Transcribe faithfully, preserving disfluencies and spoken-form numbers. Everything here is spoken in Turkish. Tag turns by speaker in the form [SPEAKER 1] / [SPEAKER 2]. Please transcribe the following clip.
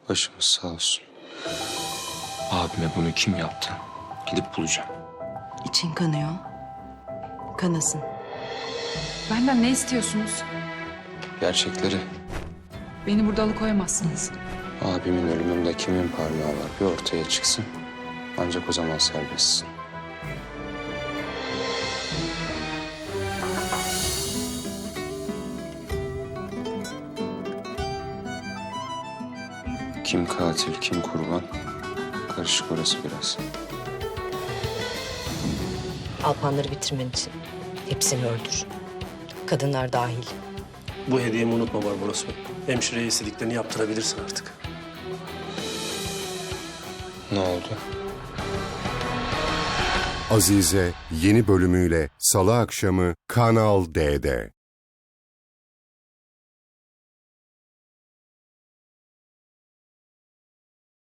[SPEAKER 1] Başımız sağ olsun. Abime bunu kim yaptı? Gidip bulacağım.
[SPEAKER 2] İçin kanıyor. Kanasın.
[SPEAKER 3] Benden ne istiyorsunuz?
[SPEAKER 1] Gerçekleri.
[SPEAKER 3] Beni burada alıkoyamazsınız.
[SPEAKER 1] Abimin ölümünde kimin parmağı var bir ortaya çıksın. Ancak o zaman serbestsin. Kim katil, kim kurban? Karışık orası biraz.
[SPEAKER 4] Alpanları bitirmen için hepsini öldür. Kadınlar dahil.
[SPEAKER 5] Bu hediyemi unutma Barbaros Bey. Hemşireye istediklerini yaptırabilirsin artık.
[SPEAKER 1] Ne oldu?
[SPEAKER 6] Azize yeni bölümüyle Salı akşamı Kanal D'de.